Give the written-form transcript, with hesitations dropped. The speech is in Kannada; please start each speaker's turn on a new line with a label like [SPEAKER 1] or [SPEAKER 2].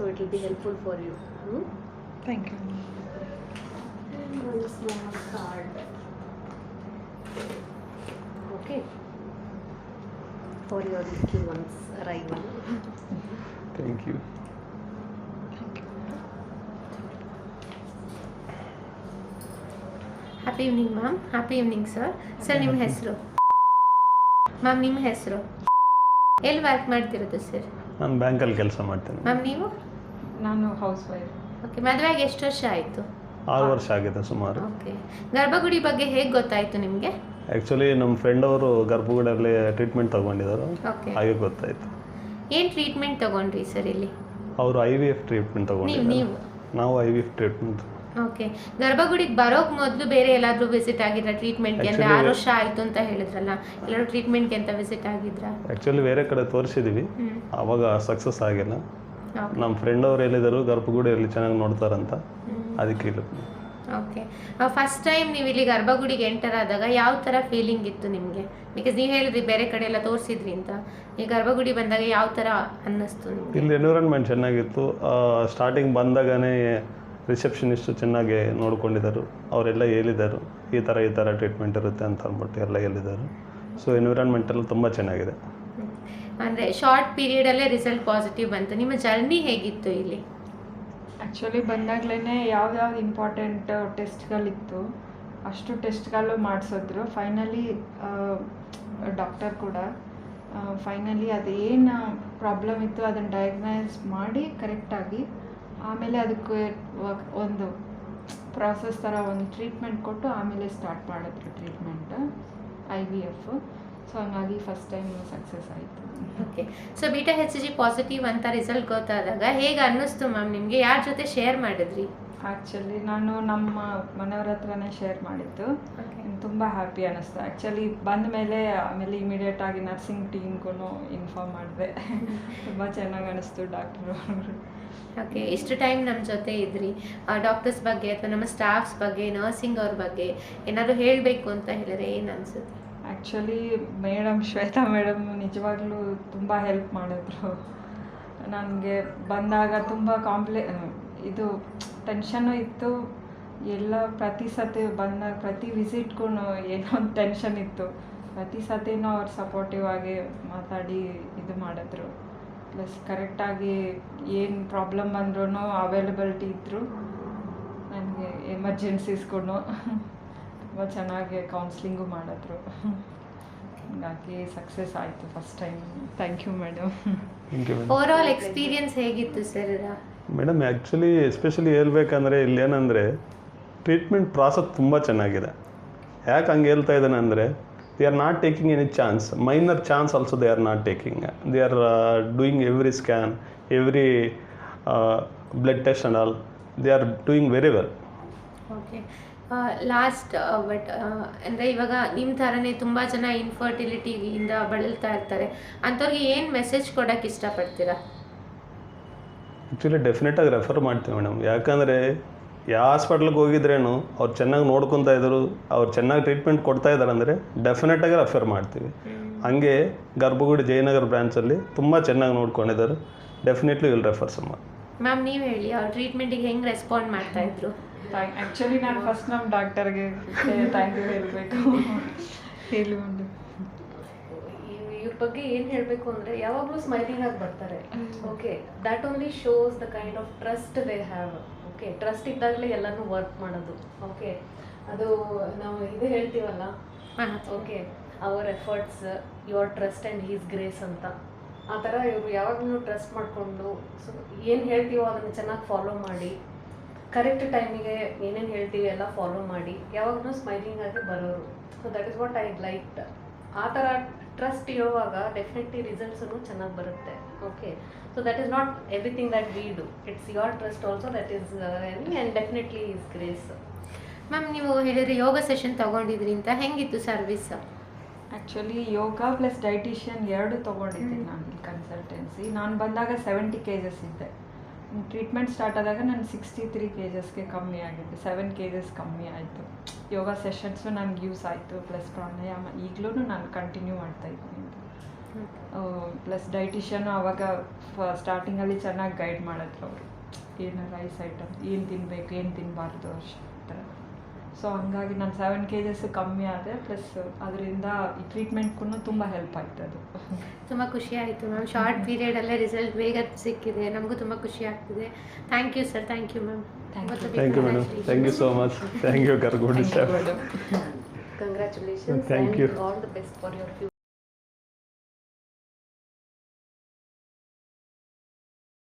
[SPEAKER 1] it will be helpful for you.
[SPEAKER 2] Thank you.
[SPEAKER 1] And one small card. Okay. For your little one's arrival.
[SPEAKER 3] Thank you.
[SPEAKER 4] Happy evening ma'am. Happy evening sir. Sir ನಿಮ್ಮ ಹೆಸರು ಮ್ಯಾಮ್? ನಿಮ್ಮ ಹೆಸರು ಎಲ್ಲಿ ವರ್ಕ್ ಮಾಡ್ತಿರೋದು ಸರ್?
[SPEAKER 3] ನಾನು ಬ್ಯಾಂಕಲ್ಲಿ ಕೆಲಸ ಮಾಡ್ತೇನೆ.
[SPEAKER 4] ಮ್ಯಾಮ್ ನೀವು?
[SPEAKER 2] ನಾನು ಹೌಸ್ ವೈಫ್.
[SPEAKER 4] ಓಕೆ. ಮದುವೆಯಾಗಿ ಎಷ್ಟು ವರ್ಷ ಆಯಿತು?
[SPEAKER 3] 6 ವರ್ಷ ಆಗಿದೆ ಸುಮಾರು.
[SPEAKER 4] ಓಕೆ. ಗರ್ಭಗುಡಿ ಬಗ್ಗೆ ಹೇಗೆ ಗೊತ್ತಾಯಿತು ನಿಮಗೆ?
[SPEAKER 3] ಆ್ಯಕ್ಚುಲಿ ನಮ್ಮ ಫ್ರೆಂಡ್ ಅವರು ಗರ್ಭಗುಡಿಯಲ್ಲಿ ಟ್ರೀಟ್ಮೆಂಟ್ ತೊಗೊಂಡಿದ್ದಾರೆ,
[SPEAKER 4] ಓಕೆ.
[SPEAKER 3] ಹಾಗೆ ಗೊತ್ತಾಯಿತು.
[SPEAKER 4] ಏನು ಟ್ರೀಟ್ಮೆಂಟ್ ತೊಗೊಂಡ್ರಿ ಸರ್ ಇಲ್ಲಿ?
[SPEAKER 3] ಅವರು IVF ಟ್ರೀಟ್ಮೆಂಟ್ ತೊಗೊಂಡಿದ್ದಾರೆ,
[SPEAKER 4] ನೀವು?
[SPEAKER 3] ನಾವು IVF ಟ್ರೀಟ್ಮೆಂಟ್.
[SPEAKER 4] ಓಕೆ. ಗರ್ಭಗುಡಿಗೆ ಬರೋಕ್ಕೆ ಮೊದಲು ಬೇರೆ ಎಲ್ಲಾದರೂ ವಿಸಿಟ್ ಆಗಿದ್ರಾ ಟ್ರೀಟ್ಮೆಂಟ್ಗೆ? ಅಂದರೆ 6 ವರ್ಷ ಆಯಿತು ಅಂತ ಹೇಳಿದ್ರಲ್ಲ, ಎಲ್ಲರೂ ಟ್ರೀಟ್ಮೆಂಟ್ಗೆ ಅಂತ ವಿಸಿಟ್ ಆಗಿದ್ರಾ?
[SPEAKER 3] ಆ್ಯಕ್ಚುಲಿ ಬೇರೆ ಕಡೆ ತೋರಿಸಿದ್ದೀವಿ, ಆವಾಗ ಸಕ್ಸಸ್ ಆಗಿಲ್ಲ. ನಮ್ಮ ಫ್ರೆಂಡ್ ಅವ್ರು ಹೇಳಿದರು ಗರ್ಭಗುಡಿಯಲ್ಲಿ ಚೆನ್ನಾಗಿ ನೋಡ್ತಾರಂತ, ಅದಕ್ಕೆ ಇಲ್ಲ.
[SPEAKER 4] ಓಕೆ. ಫಸ್ಟ್ ಟೈಮ್ ನೀವು ಇಲ್ಲಿ ಗರ್ಭಗುಡಿಗೆ ಎಂಟರ್ ಆದಾಗ ಯಾವ ಥರ ಫೀಲಿಂಗ್ ಇತ್ತು ನಿಮಗೆ? ಬಿಕಾಸ್ ನೀವು ಹೇಳಿದ್ರಿ ಬೇರೆ ಕಡೆ ಎಲ್ಲ ತೋರಿಸಿದ್ರಿ ಅಂತ, ಈ ಗರ್ಭಗುಡಿ ಬಂದಾಗ ಯಾವ ಥರ ಅನ್ನಿಸ್ತು ನಿಮಗೆ?
[SPEAKER 3] ಇಲ್ಲಿ ಎನ್ವಿರಾನ್ಮೆಂಟ್ ಚೆನ್ನಾಗಿತ್ತು. ಸ್ಟಾರ್ಟಿಂಗ್ ಬಂದಾಗನೇ ರಿಸೆಪ್ಷನಿಸ್ಟು ಚೆನ್ನಾಗಿ ನೋಡ್ಕೊಂಡಿದ್ದರು, ಅವರೆಲ್ಲ ಹೇಳಿದರು ಈ ಥರ ಟ್ರೀಟ್ಮೆಂಟ್ ಇರುತ್ತೆ ಅಂತ ಅಂದ್ಬಿಟ್ಟು ಎಲ್ಲ ಹೇಳಿದರು. ಸೊ ಎನ್ವಿರಾನ್ಮೆಂಟ್ ಎಲ್ಲ ತುಂಬ ಚೆನ್ನಾಗಿದೆ.
[SPEAKER 4] ಅಂದರೆ ಶಾರ್ಟ್ ಪೀರಿಯಡಲ್ಲೇ ರಿಸಲ್ಟ್ ಪಾಸಿಟಿವ್ ಬಂತು. ನಿಮ್ಮ ಜರ್ನಿ ಹೇಗಿತ್ತು ಇಲ್ಲಿ?
[SPEAKER 2] ಆ್ಯಕ್ಚುಲಿ ಬಂದಾಗಲೇ ಯಾವ್ಯಾವ್ದು ಇಂಪಾರ್ಟೆಂಟ್ ಟೆಸ್ಟ್ಗಳಿತ್ತು ಅಷ್ಟು ಟೆಸ್ಟ್ಗಳು ಮಾಡಿಸಿದ್ರು. ಫೈನಲಿ ಡಾಕ್ಟರ್ ಕೂಡ ಫೈನಲಿ ಅದೇನು ಪ್ರಾಬ್ಲಮ್ ಇತ್ತು ಅದನ್ನು ಡಯಾಗ್ನೈಸ್ ಮಾಡಿ ಕರೆಕ್ಟಾಗಿ ಆಮೇಲೆ ಅದಕ್ಕೆ ಒಂದು ಪ್ರಾಸೆಸ್ ಥರ ಒಂದು ಟ್ರೀಟ್ಮೆಂಟ್ ಕೊಟ್ಟು ಆಮೇಲೆ ಸ್ಟಾರ್ಟ್ ಮಾಡಿದ್ರು ಟ್ರೀಟ್ಮೆಂಟ್ IVF. ಸೊ ಹಂಗಾಗಿ ಫಸ್ಟ್ ಟೈಮ್ ಸಕ್ಸಸ್ ಆಯಿತು.
[SPEAKER 4] Okay. So beta HCG positive ಅಂತ ರಿಸಲ್ಟ್ ಗೊತ್ತಾದಾಗ ಹೇಗೆ ಅನ್ನಿಸ್ತು ಮ್ಯಾಮ್ ನಿಮಗೆ? ಯಾರ ಜೊತೆ ಶೇರ್ ಮಾಡಿದ್ರಿ?
[SPEAKER 2] ಆ್ಯಕ್ಚುಲಿ ನಾನು ನಮ್ಮ ಮನೆಯವ್ರ ಹತ್ರನೇ ಶೇರ್ ಮಾಡಿದ್ದು. ತುಂಬ ಹ್ಯಾಪಿ ಅನ್ನಿಸ್ತು ಆ್ಯಕ್ಚುಲಿ ಬಂದ ಮೇಲೆ. ಆಮೇಲೆ ಇಮಿಡಿಯೇಟಾಗಿ ನರ್ಸಿಂಗ್ ಟೀಮ್ಗೂ ಇನ್ಫಾರ್ಮ್ ಮಾಡಿದೆ. ತುಂಬ ಚೆನ್ನಾಗಿ ಅನ್ನಿಸ್ತು ಡಾಕ್ಟ್ರು.
[SPEAKER 4] ಓಕೆ. ಇಷ್ಟು ಟೈಮ್ ನಮ್ಮ ಜೊತೆ ಇದ್ರಿ, ಡಾಕ್ಟರ್ಸ್ ಬಗ್ಗೆ ಅಥವಾ ನಮ್ಮ ಸ್ಟಾಫ್ಸ್ ಬಗ್ಗೆ, ನರ್ಸಿಂಗ್ ಅವ್ರ ಬಗ್ಗೆ ಏನಾದರೂ ಹೇಳಬೇಕು ಅಂತ ಹೇಳಿದ್ರೆ ಏನು ಅನಿಸುತ್ತೆ?
[SPEAKER 2] ಆ್ಯಕ್ಚುಲಿ ಶ್ವೇತಾ ಮೇಡಮ್ ನಿಜವಾಗ್ಲೂ ತುಂಬ ಹೆಲ್ಪ್ ಮಾಡಿದ್ರು. ನನಗೆ ಬಂದಾಗ ತುಂಬ ಇದು ಟೆನ್ಷನ್ನು ಇತ್ತು. ಎಲ್ಲ ಪ್ರತಿ ಸತಿ ಬಂದಾಗ ಪ್ರತಿ ವಿಸಿಟ್ಗೂ ಏನೋ ಒಂದು ಟೆನ್ಷನ್ ಇತ್ತು. ಪ್ರತಿ ಸತಿನೂ ಅವ್ರು ಸಪೋರ್ಟಿವ್ ಆಗಿ ಮಾತಾಡಿ ಇದು ಮಾಡಿದ್ರು. ಪ್ಲಸ್ ಕರೆಕ್ಟಾಗಿ ಏನು ಪ್ರಾಬ್ಲಮ್ ಬಂದ್ರೂ ಅವೈಲಬಿಲಿಟಿ ಇದ್ದರು. ನನಗೆ ಎಮರ್ಜೆನ್ಸೀಸ್ಗೂ ತುಂಬ ಚೆನ್ನಾಗಿ ಕೌನ್ಸ್ಲಿಂಗು ಮಾಡಿದ್ರು. ಹಾಗಾಗಿ ಸಕ್ಸಸ್ ಆಯಿತು first time. Thank you madam.
[SPEAKER 4] Over all experience ಹೇಗಿತ್ತು ಸರ್?
[SPEAKER 3] ಮೇಡಮ್ ಆ್ಯಕ್ಚುಲಿ ಎಸ್ಪೆಷಲಿ ಹೇಳ್ಬೇಕಂದ್ರೆ ಇಲ್ಲೇನಂದರೆ ಟ್ರೀಟ್ಮೆಂಟ್ ಪ್ರಾಸೆಸ್ ತುಂಬ ಚೆನ್ನಾಗಿದೆ. ಯಾಕೆ ಹಂಗೆ ಹೇಳ್ತಾ ಇದ್ದಾನೆ ಅಂದರೆ they are not taking any chance, minor chance also they are not taking. They are doing every scan, every blood test and all. They are doing very well.
[SPEAKER 4] Okay. Last but ಅಂದರೆ ಇವಾಗ ನಿಮ್ಮ ಥರನೇ ತುಂಬ ಜನ ಇನ್ಫರ್ಟಿಲಿಟಿಯಿಂದ ಬಳಲ್ತಾ ಇರ್ತಾರೆ, ಅಂಥವ್ರಿಗೆ ಏನು ಮೆಸೇಜ್ ಕೊಡೋಕ್ಕೆ ಇಷ್ಟಪಡ್ತೀರಾ?
[SPEAKER 3] ಆ್ಯಕ್ಚುಲಿ ಡೆಫಿನೆಟಾಗಿ ರೆಫರ್ ಮಾಡ್ತೀವಿ ಮೇಡಮ್. ಯಾಕಂದರೆ ಯಾವ ಹಾಸ್ಪಿಟ್ಲಿಗೆ ಹೋಗಿದ್ರೇನು ಅವ್ರು ಚೆನ್ನಾಗಿ ನೋಡ್ಕೊತಾ ಇದ್ದರು, ಅವ್ರು ಚೆನ್ನಾಗಿ ಟ್ರೀಟ್ಮೆಂಟ್ ಕೊಡ್ತಾ ಇದ್ದಾರೆ ಅಂದರೆ ಡೆಫಿನೆಟಾಗಿ ರೆಫರ್ ಮಾಡ್ತೀವಿ. ಹಾಗೆ ಗರ್ಭಗುಡಿ ಜಯನಗರ ಬ್ರಾಂಚಲ್ಲಿ ತುಂಬ ಚೆನ್ನಾಗಿ ನೋಡ್ಕೊಂಡಿದ್ದಾರೆ. Definitely will refer some.
[SPEAKER 4] Ma'am ನೀವು ಹೇಳಿ, ಅವ್ರ ಟ್ರೀಟ್ಮೆಂಟಿಗೆ ಹೆಂಗೆ ರೆಸ್ಪಾಂಡ್ ಮಾಡ್ತಾಯಿದ್ರು?
[SPEAKER 2] ಆ್ಯಕ್ಚುಲಿ ನಾನು ಫಸ್ಟ್ ನಮ್ಮ ಡಾಕ್ಟರ್ಗೆ ಥ್ಯಾಂಕ್ ಯು ಹೇಳಬೇಕು. ಹೇಳಿ ಒಂದು
[SPEAKER 1] ಇವ್ರ ಬಗ್ಗೆ ಏನು ಹೇಳಬೇಕು ಅಂದರೆ ಯಾವಾಗಲೂ ಸ್ಮೈಲಿಂಗ್ ಆಗಿ ಬರ್ತಾರೆ. Okay, that only shows the kind of trust they have. Okay, trust ಇದ್ದಾಗಲೇ ಎಲ್ಲನೂ ವರ್ಕ್ ಮಾಡೋದು. ಓಕೆ, ಅದು ನಾವು ಇದು ಹೇಳ್ತೀವಲ್ಲ, okay, our efforts your trust and his grace ಅಂತ. ಆ ಥರ ಇವರು ಯಾವಾಗಲೂ ಟ್ರಸ್ಟ್ ಮಾಡಿಕೊಂಡು ಸೊ ಏನು ಹೇಳ್ತೀವೋ ಅದನ್ನು ಚೆನ್ನಾಗಿ ಫಾಲೋ ಮಾಡಿ, ಕರೆಕ್ಟ್ ಟೈಮಿಗೆ ಏನೇನು ಹೇಳ್ತೀವಿ ಎಲ್ಲ ಫಾಲೋ ಮಾಡಿ ಯಾವಾಗಲೂ ಸ್ಮೈಲಿಂಗ್ ಆಗಿ ಬರೋರು. So that is what I like. ಆ ಥರ ಟ್ರಸ್ಟ್ ಇರುವಾಗ ಡೆಫಿನೆಟ್ಲಿ ರಿಸಲ್ಟ್ಸೂ ಚೆನ್ನಾಗಿ ಬರುತ್ತೆ. Okay, so that is not everything that we do, it's your trust also that is and definitely is grace.
[SPEAKER 4] Ma'am ನೀವು ಹೇಳಿದ್ರೆ ಯೋಗ ಸೆಷನ್ ತೊಗೊಂಡಿದ್ರಿ ಅಂತ, ಹೆಂಗಿತ್ತು service?
[SPEAKER 2] Actually yoga plus dietitian ಎರಡು ತೊಗೊಂಡಿದ್ದೆ ನಾನು ಕನ್ಸಲ್ಟೆನ್ಸಿ. ನಾನು ಬಂದಾಗ 70 kgs ಇದ್ದೆ. ಟ್ರೀಟ್ಮೆಂಟ್ ಸ್ಟಾರ್ಟ್ ಆದಾಗ ನಾನು 63 kgsಗೆ ಕಮ್ಮಿ ಆಗಿದ್ದೆ. 7 kgs ಕಮ್ಮಿ ಆಯಿತು. ಯೋಗ ಸೆಷನ್ಸು ನನಗೆ ಯೂಸ್ ಆಯಿತು, ಪ್ಲಸ್ ಪ್ರಾಣಾಯಾಮ ಈಗಲೂ ನಾನು ಕಂಟಿನ್ಯೂ ಮಾಡ್ತಾಯಿದ್ದೀನಿ. ಪ್ಲಸ್ ಡೈಟಿಷಿಯನು ಆವಾಗ ಸ್ಟಾರ್ಟಿಂಗಲ್ಲಿ ಚೆನ್ನಾಗಿ ಗೈಡ್ ಮಾಡಿದ್ರು ಅವರು, ಏನು ರೈಸ್ ಐಟಮ್ ಏನು ತಿನ್ನಬೇಕು ಏನು ತಿನ್ನಬಾರ್ದು ಅಷ್ಟು ಥರ. ಸೊ ಹಂಗಾಗಿ ನಾನು 7 kgs ಕಮ್ಮಿ ಆದೆ, ಪ್ಲಸ್ ಅದರಿಂದ ಈ ಟ್ರೀಟ್ಮೆಂಟ್ಗೂ ತುಂಬ ಹೆಲ್ಪ್ ಆಯ್ತು ಅದು.
[SPEAKER 4] ತುಂಬ ಖುಷಿ ಆಯಿತು ಮ್ಯಾಮ್, ಶಾರ್ಟ್ ಪೀರಿಯಡಲ್ಲೇ ರಿಸಲ್ಟ್ ಬೇಗ ಸಿಕ್ಕಿದೆ, ನಮಗೂ ತುಂಬ ಖುಷಿ ಆಗ್ತಿದೆ. Thank you sir, thank you ma'am.
[SPEAKER 3] Thank you madam, thank you so much. Thank you Gargagudi sir.
[SPEAKER 1] Congratulations
[SPEAKER 3] Thank
[SPEAKER 1] and
[SPEAKER 3] you.
[SPEAKER 1] all the best for your future.